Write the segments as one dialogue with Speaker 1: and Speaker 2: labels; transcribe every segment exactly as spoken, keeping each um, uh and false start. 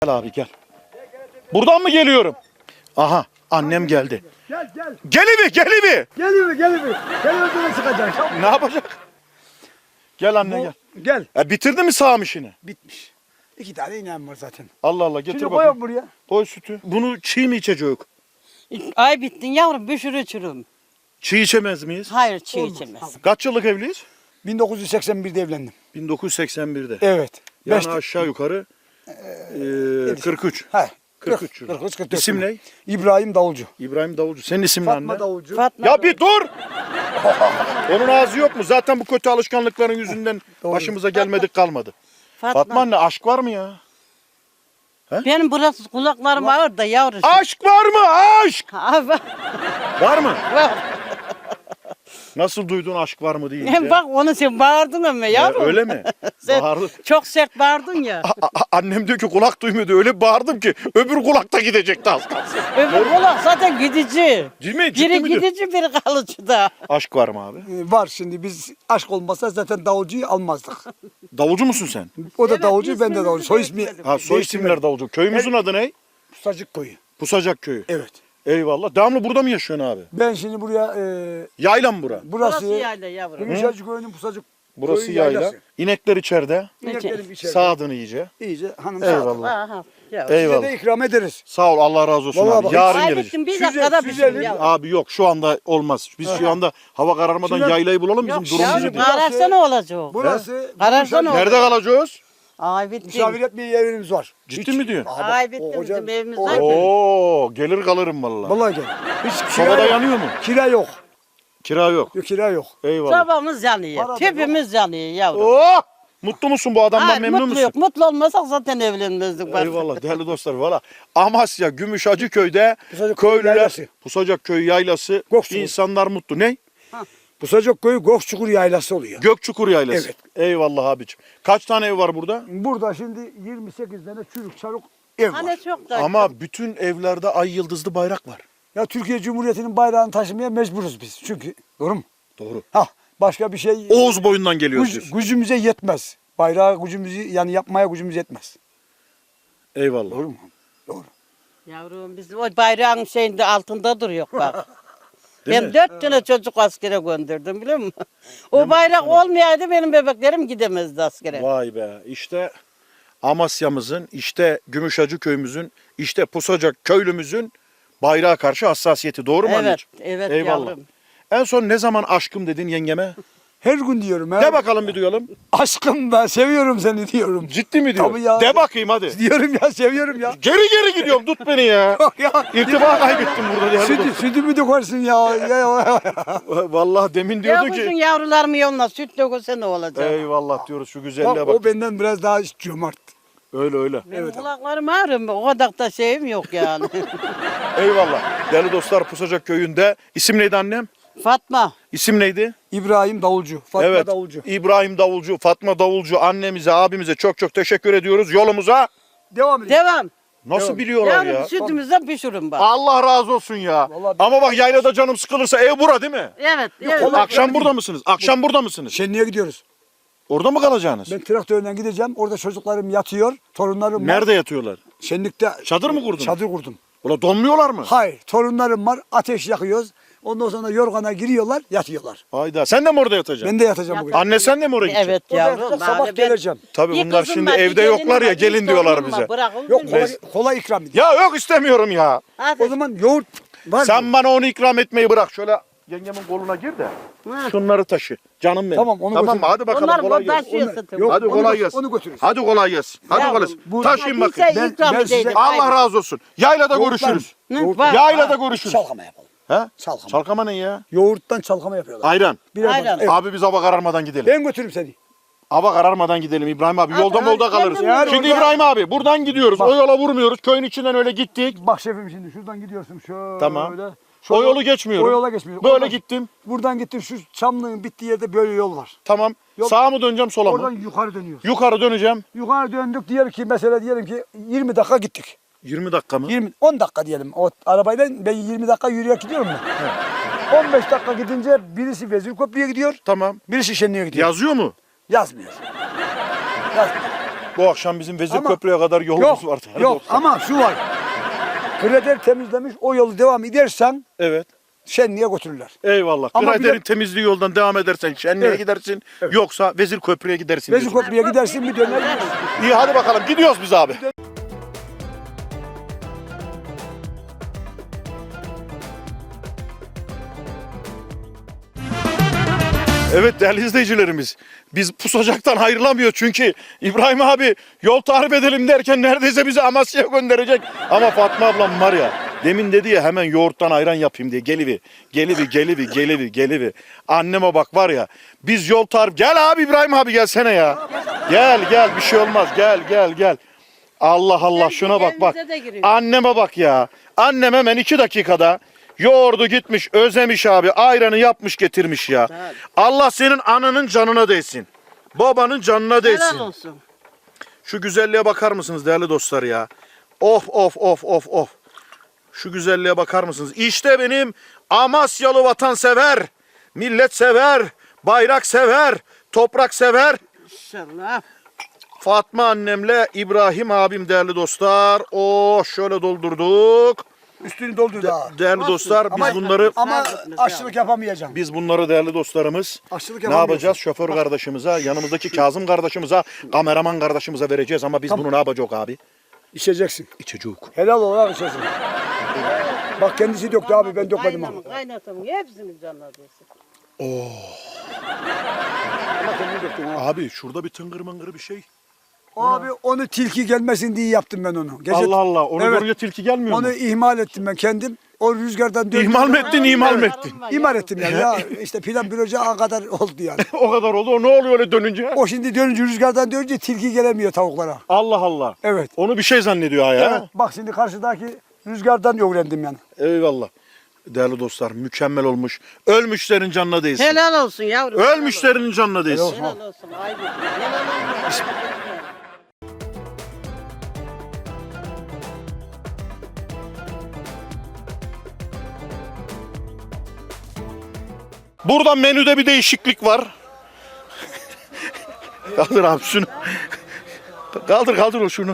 Speaker 1: Gel abi gel. Buradan mı geliyorum? Aha annem geldi.
Speaker 2: Gel gel.
Speaker 1: Gelivi gelivi.
Speaker 2: Geliyor geliyor. Geliyor böyle çıkacak.
Speaker 1: Ne yapacak? Gel anne
Speaker 2: Bu-
Speaker 1: gel.
Speaker 2: Gel.
Speaker 1: E, bitirdi mi sağım işini?
Speaker 2: Bitmiş. İki tane inen var zaten.
Speaker 1: Allah Allah getir
Speaker 2: Şimdi
Speaker 1: bakayım.
Speaker 2: koyalım buraya.
Speaker 1: Koy sütü. Bunu çiğ mi içecek?
Speaker 3: Ay bittin yavrum bir sürü çürüm.
Speaker 1: Çiğ içemez miyiz?
Speaker 3: Hayır çiğ
Speaker 2: Olmaz.
Speaker 3: içemez.
Speaker 1: Kaç yıllık evliyiz?
Speaker 2: bin dokuz yüz seksen birde evlendim.
Speaker 1: bin dokuz yüz seksen birde.
Speaker 2: Evet.
Speaker 1: Yani
Speaker 2: Beş-
Speaker 1: aşağı yukarı e, kırk üç.
Speaker 2: He.
Speaker 1: kırk üç yıl.
Speaker 2: kırk üç kırk dört.
Speaker 1: İsim ne?
Speaker 2: İbrahim Davulcu.
Speaker 1: İbrahim Davulcu. Senin isim ne
Speaker 2: Fatma
Speaker 1: anne?
Speaker 2: Davulcu.
Speaker 3: Fatma
Speaker 1: Ya bir dur! Onun ağzı yok mu? Zaten bu kötü alışkanlıkların yüzünden
Speaker 2: Doğru.
Speaker 1: başımıza gelmedik kalmadı.
Speaker 3: Fatma.
Speaker 1: Fatma anne aşk var mı ya?
Speaker 3: Benim burası kulaklarım ağır da yavrucuğum.
Speaker 1: Aşk var mı? Aşk!
Speaker 3: Ha, var.
Speaker 1: Var mı?
Speaker 3: Var.
Speaker 1: Nasıl duydun aşk var mı deyince?
Speaker 3: Hem bak onu sen bağırdın ama
Speaker 1: Ya,
Speaker 3: yavrum.
Speaker 1: öyle mi?
Speaker 3: Sen
Speaker 1: Bağırdı.
Speaker 3: çok sert bağırdın ya.
Speaker 1: A- a- annem diyor ki kulak duymuyordu. Öyle bağırdım ki öbür kulakta gidecekti az kalsın.
Speaker 3: Öbür kulak zaten gidici.
Speaker 1: Ciddi mi? Ciddi
Speaker 3: Biri
Speaker 1: mi diyor?
Speaker 3: gidici biri kalıcı da.
Speaker 1: Aşk var mı abi?
Speaker 2: Ee, Var şimdi biz aşk olmasa zaten davulcuyu almazdık.
Speaker 1: Davulcu musun sen?
Speaker 2: O da
Speaker 3: Evet,
Speaker 2: davulcu ben de
Speaker 3: ismimizi
Speaker 2: davulcu. Soy ismi
Speaker 3: değiştirmedim.
Speaker 1: Ha soy isimler davulcu. Köyümüzün adı ne?
Speaker 2: Pusacık Koyu.
Speaker 1: Pusacak köyü.
Speaker 2: Evet.
Speaker 1: Eyvallah. Devamlı burada mı yaşıyorsun abi?
Speaker 2: Ben şimdi buraya e,
Speaker 1: Yayla mı bura?
Speaker 3: Burası
Speaker 2: burası
Speaker 3: yayla yavrum.
Speaker 2: Gümüşhacı Köyü'nün Pusacık
Speaker 1: Burası
Speaker 2: Köyü
Speaker 1: yayla.
Speaker 2: yaylası.
Speaker 1: İnekler içeride.
Speaker 2: İneklerim içeride.
Speaker 1: Sağdını iyice.
Speaker 2: İyice hanım
Speaker 1: Eyvallah.
Speaker 2: sağ.
Speaker 3: Aha, yavrum.
Speaker 2: Size
Speaker 1: Eyvallah.
Speaker 2: de ikram ederiz.
Speaker 1: Sağ ol Allah razı olsun
Speaker 2: Vallahi
Speaker 1: abi.
Speaker 2: bak-
Speaker 1: Yarın
Speaker 3: Ay
Speaker 1: gelecek.
Speaker 3: bittin bir
Speaker 2: Size-
Speaker 3: dakikada
Speaker 2: size
Speaker 3: pişsin
Speaker 2: bir-
Speaker 3: yavrum.
Speaker 1: Abi yok şu anda olmaz. Biz şu anda hava kararmadan
Speaker 2: Şimdi-
Speaker 1: yaylayı bulalım bizim
Speaker 3: Yok
Speaker 1: durumumuzu
Speaker 3: yavrum
Speaker 1: değil.
Speaker 3: kararsa ne olacak?
Speaker 2: Burası
Speaker 3: Kararsa ne
Speaker 2: Gümüşhacı-
Speaker 3: olur?
Speaker 1: Nerede kalacağız?
Speaker 3: Ay bittin.
Speaker 2: misafir etmeye yerimiz var.
Speaker 1: Ciddi mi diyorsun?
Speaker 2: Aha bak,
Speaker 3: Ay
Speaker 2: o
Speaker 3: bittin
Speaker 2: hoca-
Speaker 3: bizim evimiz
Speaker 2: o-
Speaker 3: var ki.
Speaker 1: Oo gelir kalırım vallahi.
Speaker 2: Vallahi gel. Hiç kira
Speaker 1: Sobada
Speaker 2: yok.
Speaker 1: yanıyor mu?
Speaker 2: Kira yok.
Speaker 1: Kira yok.
Speaker 2: Yok kira yok.
Speaker 1: Eyvallah.
Speaker 3: Sabahımız yanıyor.
Speaker 2: Para da
Speaker 3: Tepimiz yanıyor yavrum.
Speaker 1: Oh! Mutlu musun bu adamdan
Speaker 3: Hayır,
Speaker 1: memnun
Speaker 3: mutlu
Speaker 1: musun?
Speaker 3: yok. Mutlu olmasak zaten evlenmezdik. bak.
Speaker 1: Eyvallah değerli dostlar valla. Amasya Gümüşhacı köyde
Speaker 2: Pusacık Köyü
Speaker 1: köylüler
Speaker 2: yaylası.
Speaker 1: Pusacak köyü yaylası
Speaker 2: Gökçukur.
Speaker 1: insanlar mutlu. Ne?
Speaker 2: Pusacık Köyü Gökçukur yaylası oluyor.
Speaker 1: Gökçukur yaylası.
Speaker 2: Evet.
Speaker 1: Eyvallah abicim. Kaç tane ev var burada?
Speaker 2: Burada şimdi yirmi sekiz tane çürük çarık ev var.
Speaker 3: Hani çok da.
Speaker 1: Ama bütün evlerde ay yıldızlı bayrak var.
Speaker 2: Ya Türkiye Cumhuriyeti'nin bayrağını taşımaya mecburuz biz. Çünkü doğru mu?
Speaker 1: Doğru.
Speaker 2: Ha başka bir şey
Speaker 1: Oğuz boyundan geliyoruz
Speaker 2: güc-
Speaker 1: diyorsun.
Speaker 2: gücümüze yetmez. Bayrağı gücümüzü yani yapmaya gücümüz yetmez.
Speaker 1: Eyvallah.
Speaker 2: Doğru mu? Doğru.
Speaker 3: Yavrum biz o bayrağın şeyinde altında duruyor bak.
Speaker 1: Değil
Speaker 3: ben
Speaker 1: mi?
Speaker 3: dört tane çocuk askere gönderdim biliyor musun? O bayrak olmayaydı benim bebeklerim gidemezdi askere.
Speaker 1: Vay be. İşte Amasya'mızın, işte Gümüşhacı köyümüzün, işte Pusacak köylümüzün bayrağa karşı hassasiyeti. Doğru mu
Speaker 3: Evet,
Speaker 1: anneciğim?
Speaker 3: evet
Speaker 1: Eyvallah.
Speaker 3: yavrum.
Speaker 1: En son ne zaman aşkım dedin yengeme?
Speaker 2: Her gün diyorum. Her...
Speaker 1: De bakalım bir duyalım.
Speaker 2: Aşkım ben seviyorum seni diyorum.
Speaker 1: Ciddi mi diyor?
Speaker 2: Tabii ya.
Speaker 1: De bakayım hadi.
Speaker 2: Diyorum ya seviyorum ya.
Speaker 1: Geri geri gidiyorum tut beni ya.
Speaker 2: Yok ya.
Speaker 1: İrtiba kaybettim burada değerli
Speaker 2: Sütü,
Speaker 1: dostum.
Speaker 2: sütümü dökersin ya. ya, ya.
Speaker 1: Vallahi demin
Speaker 3: Ya
Speaker 1: diyordu
Speaker 3: kuzun
Speaker 1: ki.
Speaker 3: yavrularımı yoluna süt dökülse ne olacak?
Speaker 1: Eyvallah diyoruz şu güzelliğe
Speaker 2: Bak,
Speaker 1: bak.
Speaker 2: o benden biraz daha cömert.
Speaker 1: Öyle öyle.
Speaker 3: Benim kulaklarım ağrıyor. O kadar da şeyim yok yani.
Speaker 1: Eyvallah. Değerli dostlar Pusacak köyünde. İsim neydi annem?
Speaker 3: Fatma.
Speaker 1: İsim neydi?
Speaker 2: İbrahim Davulcu. Fatma
Speaker 1: evet.
Speaker 2: Davulcu.
Speaker 1: İbrahim Davulcu, Fatma Davulcu annemize, abimize çok çok teşekkür ediyoruz. Yolumuza
Speaker 2: Devam edelim.
Speaker 3: Devam.
Speaker 1: nasıl
Speaker 2: Devam.
Speaker 1: biliyorlar
Speaker 3: Yavrum
Speaker 1: ya?
Speaker 3: sütümüzden pişirin bak.
Speaker 1: Allah razı olsun ya.
Speaker 2: Vallahi bir-
Speaker 1: Ama bak yaylada canım sıkılırsa ev bura değil mi?
Speaker 3: Evet. evet.
Speaker 2: Kolay-
Speaker 1: Akşam burada mısınız? Akşam burada mısınız?
Speaker 2: Şenliğe gidiyoruz.
Speaker 1: Orada mı kalacaksınız?
Speaker 2: Ben traktörle gideceğim. Orada çocuklarım yatıyor. Torunlarım var.
Speaker 1: Nerede yatıyorlar?
Speaker 2: Şenlikte
Speaker 1: Çadır mı kurdun?
Speaker 2: çadır kurdum.
Speaker 1: Ulan donmuyorlar mı?
Speaker 2: Hayır. Torunlarım var. Ateş yakıyoruz. Ondan sonra yorgana giriyorlar. Yatıyorlar.
Speaker 1: Hayda. Sen de mi orada yatacaksın?
Speaker 2: Ben de yatacağım bugün.
Speaker 1: Anne sen de mi oraya gideceksin?
Speaker 3: Evet
Speaker 2: Orada
Speaker 3: yavrum.
Speaker 2: yatacağım, sabah
Speaker 3: bari ben-
Speaker 2: geleceğim.
Speaker 1: Tabii
Speaker 3: Bir
Speaker 1: bunlar
Speaker 3: kızım
Speaker 1: şimdi
Speaker 3: var, bir
Speaker 1: evde
Speaker 3: gelinim
Speaker 1: yoklar ya
Speaker 3: var, bir
Speaker 1: gelin diyorlar
Speaker 3: torunum var.
Speaker 1: bize.
Speaker 3: Bırakın
Speaker 2: Yok
Speaker 3: beni.
Speaker 2: kolay,
Speaker 1: Mes-
Speaker 2: kolay ikram edin.
Speaker 1: Ya yok istemiyorum ya.
Speaker 3: Hadi.
Speaker 2: O zaman yoğurt var
Speaker 1: Sen
Speaker 2: mı?
Speaker 1: bana onu ikram etmeyi bırak. Şöyle yengemin koluna gir de
Speaker 3: Ha.
Speaker 1: şunları taşı. Canım benim.
Speaker 2: Tamam, onu
Speaker 1: Tamam mı?
Speaker 2: götür.
Speaker 1: Hadi bakalım
Speaker 3: Onlar
Speaker 1: kolay
Speaker 3: bundan
Speaker 1: gelsin.
Speaker 3: şey
Speaker 2: Onu-
Speaker 3: satın.
Speaker 2: Yok,
Speaker 1: Hadi
Speaker 2: onu
Speaker 1: kolay
Speaker 2: gö-
Speaker 1: gelsin.
Speaker 2: onu götürürüz.
Speaker 1: Hadi kolay gelsin. Hadi
Speaker 3: Yavrum,
Speaker 1: kolay gelsin.
Speaker 2: bu-
Speaker 1: Taşıyın
Speaker 3: Hadi
Speaker 1: bakayım.
Speaker 3: sen
Speaker 2: Ben-
Speaker 3: ikram
Speaker 2: ben size-
Speaker 3: edeydin.
Speaker 1: Allah
Speaker 3: Hayır.
Speaker 1: razı olsun. Yaylada
Speaker 2: Yoğurt var
Speaker 1: görüşürüz.
Speaker 3: Hı,
Speaker 2: Yoğurt
Speaker 3: var.
Speaker 1: Yaylada görüşürüz.
Speaker 2: Çalkama yapalım.
Speaker 1: He?
Speaker 2: Çalkama.
Speaker 1: Çalkama ne ya?
Speaker 2: Yoğurttan çalkama yapıyorlar.
Speaker 1: Ayran.
Speaker 2: Bir adam-
Speaker 3: Ayran.
Speaker 2: Evet.
Speaker 1: Abi biz hava kararmadan gidelim.
Speaker 2: Ben götürürüm seni.
Speaker 1: Hava kararmadan gidelim İbrahim abi.
Speaker 3: Abi,
Speaker 1: Yolda
Speaker 3: abi,
Speaker 1: molda kalırız.
Speaker 3: kendim
Speaker 2: Yani
Speaker 1: Şimdi
Speaker 2: orada-
Speaker 1: İbrahim abi buradan gidiyoruz.
Speaker 2: Bak.
Speaker 1: O yola vurmuyoruz. Köyün içinden öyle gittik.
Speaker 2: Bak şefim şimdi şuradan gidiyorsun şöyle.
Speaker 1: Tamam.
Speaker 2: Şöyle-
Speaker 1: O yolu geçmiyorum.
Speaker 2: O yola geçmiyorum.
Speaker 1: Böyle
Speaker 2: Oradan-
Speaker 1: gittim.
Speaker 2: Buradan gittin şu çamlığın bittiği yerde böyle yol var.
Speaker 1: Tamam.
Speaker 2: Yol-
Speaker 1: Sağa mı döneceğim sola
Speaker 2: Oradan
Speaker 1: mı?
Speaker 2: yukarı dönüyoruz.
Speaker 1: Yukarı döneceğim.
Speaker 2: Yukarı döndük diyelim ki mesela diyelim ki yirmi dakika gittik.
Speaker 1: yirmi dakika mı?
Speaker 2: yirmi on dakika diyelim. O arabayla ben yirmi dakika yürüyerek gidiyorum mu? on beş dakika gidince birisi Vezirköprü'ye gidiyor.
Speaker 1: Tamam.
Speaker 2: Birisi Şenli'ye gidiyor.
Speaker 1: Yazıyor mu?
Speaker 2: Yazmıyor. Yazmıyor.
Speaker 1: Bu akşam bizim Vezir
Speaker 2: Ama-
Speaker 1: Köprü'ye kadar yolumuz
Speaker 2: Yok,
Speaker 1: var. değerli
Speaker 2: yok
Speaker 1: dostlar.
Speaker 2: ama şu var. Kreder temizlemiş, o yolu devam edersen
Speaker 1: Evet.
Speaker 2: şenliğe götürürler.
Speaker 1: Eyvallah.
Speaker 2: Ama
Speaker 1: Grader'in
Speaker 2: bir de-
Speaker 1: temizliği yoldan devam edersen Şenli'ye
Speaker 2: Evet.
Speaker 1: gidersin. Yoksa Vezir Köprü'ye gidersin.
Speaker 2: Vezir
Speaker 1: diyorsun.
Speaker 2: Köprü'ye gidersin bir döner gelirsin.
Speaker 1: İyi hadi bakalım gidiyoruz biz abi. Evet değerli izleyicilerimiz, biz Pusacak'tan ayrılamıyor çünkü İbrahim abi yol tarif edelim derken neredeyse bizi Amasya'ya gönderecek. Ama Fatma ablam var ya, demin dedi ya hemen yoğurttan ayran yapayım diye, gelivi, gelivi, gelivi, gelivi, gelivi. Anneme bak var ya, biz yol tarif, gel abi İbrahim abi gelsene ya. Gel gel bir şey olmaz, gel gel gel. Allah Allah şuna bak bak.
Speaker 3: Evimize de giriyor.
Speaker 1: Anneme bak ya. Annem hemen iki dakikada yoğurdu gitmiş, özlemiş abi, ayranı yapmış getirmiş ya.
Speaker 3: Evet.
Speaker 1: Allah senin ananın canına değsin. Babanın canına değsin.
Speaker 3: Helal olsun.
Speaker 1: Şu güzelliğe bakar mısınız değerli dostlar ya? Of of of of of. Şu güzelliğe bakar mısınız? İşte benim Amasyalı vatansever, millet sever, bayrak sever, toprak sever.
Speaker 3: İnşallah.
Speaker 1: Fatma annemle İbrahim abim değerli dostlar. Oh şöyle doldurduk.
Speaker 2: Üstünü doldur daha.
Speaker 1: Değerli dostlar biz
Speaker 2: Ama-
Speaker 1: bunları
Speaker 2: Ama
Speaker 3: Serpilmez
Speaker 2: aşçılık yapamayacağım.
Speaker 1: biz bunları değerli dostlarımız
Speaker 2: Aşçılık
Speaker 1: ne
Speaker 2: yapamıyorsun.
Speaker 1: yapacağız? Şoför kardeşimize, yanımızdaki Kazım kardeşimize, kameraman kardeşimize vereceğiz ama biz
Speaker 2: Tamam.
Speaker 1: bunu ne yapacağız abi?
Speaker 2: İçeceksin.
Speaker 1: İçecek.
Speaker 2: Helal olarak içeceksin. Bak kendisi döktü abi, ben dökmedim ama.
Speaker 3: Kaynamın, kaynatamın hepsini canladıysa.
Speaker 2: Ama kendin döktün ha.
Speaker 1: Abi şurada bir tıngır mıngır bir şey.
Speaker 2: Abi onu tilki gelmesin diye yaptım ben onu. Gece-
Speaker 1: Allah Allah. Onu
Speaker 2: Evet.
Speaker 1: görünce tilki gelmiyor
Speaker 2: Onu
Speaker 1: mu?
Speaker 2: ihmal ettim ben kendim. O rüzgardan döndü.
Speaker 1: İhmal mı ettin, ihmal mi
Speaker 2: Evet.
Speaker 1: ettin?
Speaker 2: İhmal ettim yani. Ya işte plan proje ağa kadar oldu yani.
Speaker 1: O kadar oldu. O ne oluyor öyle dönünce?
Speaker 2: O şimdi dönünce rüzgardan dönünce tilki gelemiyor tavuklara.
Speaker 1: Allah Allah.
Speaker 2: Evet.
Speaker 1: Onu bir şey zannediyor ha ya.
Speaker 2: Evet. Bak şimdi karşıdaki rüzgardan öğrendim yani.
Speaker 1: Eyvallah. Değerli dostlar mükemmel olmuş. Ölmüşlerin canına değsin.
Speaker 3: Helal olsun yavrum.
Speaker 1: Ölmüşlerin canına değsin.
Speaker 3: Helal olsun. Helal olsun. Helal olsun.
Speaker 1: Burada menüde bir değişiklik var. Kaldır abi şunu. Kaldır kaldır o şunu.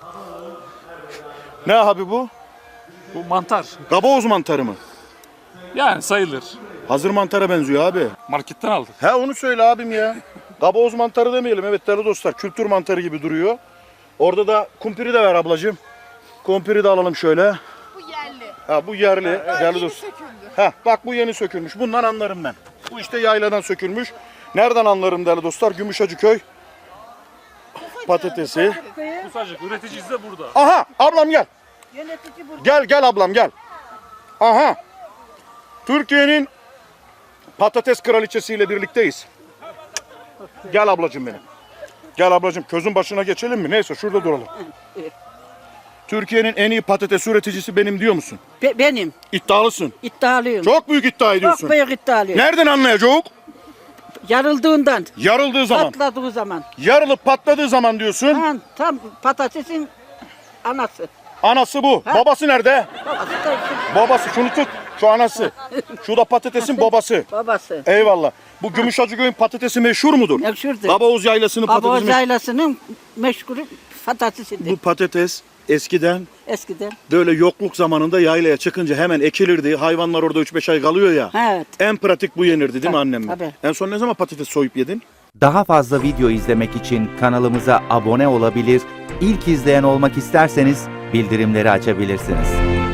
Speaker 1: Ne abi bu?
Speaker 4: Bu mantar.
Speaker 1: Gaboz mantarı mı?
Speaker 4: Yani sayılır.
Speaker 1: Hazır mantara benziyor abi.
Speaker 4: Marketten aldık.
Speaker 1: He onu söyle abim ya. Gaboz mantarı demeyelim. Evet değerli dostlar kültür mantarı gibi duruyor. Orada da kumpiri de ver ablacığım. Kumpiri de alalım şöyle.
Speaker 5: Bu yerli.
Speaker 1: Ha bu yerli değerli
Speaker 5: Yeni
Speaker 1: dostlar.
Speaker 5: söküldü.
Speaker 1: Ha bak bu yeni sökülmüş. Bundan anlarım ben. Bu işte yayladan sökülmüş. Nereden anlarım değerli dostlar? Gümüşhacıköy patatesi.
Speaker 4: Pusacık üreticisi de burada.
Speaker 1: Aha ablam gel.
Speaker 3: Yönetici burada.
Speaker 1: Gel gel ablam gel. Aha. Türkiye'nin patates kraliçesiyle birlikteyiz. Gel ablacığım benim. Gel ablacığım közün başına geçelim mi? Neyse şurada duralım. Türkiye'nin en iyi patates üreticisi benim diyor musun?
Speaker 3: Be- benim.
Speaker 1: İddialısın.
Speaker 3: İddialıyım.
Speaker 1: Çok büyük iddia ediyorsun.
Speaker 3: Çok büyük iddialıyım.
Speaker 1: Nereden anlayacak?
Speaker 3: Yarıldığından.
Speaker 1: Yarıldığı zaman.
Speaker 3: Patladığı zaman.
Speaker 1: Yarılıp patladığı zaman diyorsun.
Speaker 3: Tam, tam patatesin anası.
Speaker 1: Anası bu.
Speaker 3: Ha.
Speaker 1: Babası nerede?
Speaker 3: Babası da işte
Speaker 1: Babası şunu tut. Şu anası. Şu da patatesin babası.
Speaker 3: babası.
Speaker 1: Eyvallah. Bu Gümüşhacıköy'ün patatesi meşhur mudur?
Speaker 3: Meşhurdur.
Speaker 1: Gabaoz Yaylası'nın patatesi
Speaker 3: Babamız
Speaker 1: meşhur.
Speaker 3: yaylasının meşgulü patatesidir.
Speaker 1: Bu patates eskiden
Speaker 3: Eskiden.
Speaker 1: böyle yokluk zamanında yaylaya çıkınca hemen ekilirdi. Hayvanlar orada üç beş ay kalıyor ya.
Speaker 3: Evet.
Speaker 1: En pratik bu yenirdi değil mi
Speaker 3: Tabii,
Speaker 1: annemle?
Speaker 3: tabii.
Speaker 1: En son ne zaman patates soyup yedin?
Speaker 6: Daha fazla video izlemek için kanalımıza abone olabilir, ilk izleyen olmak isterseniz bildirimleri açabilirsiniz.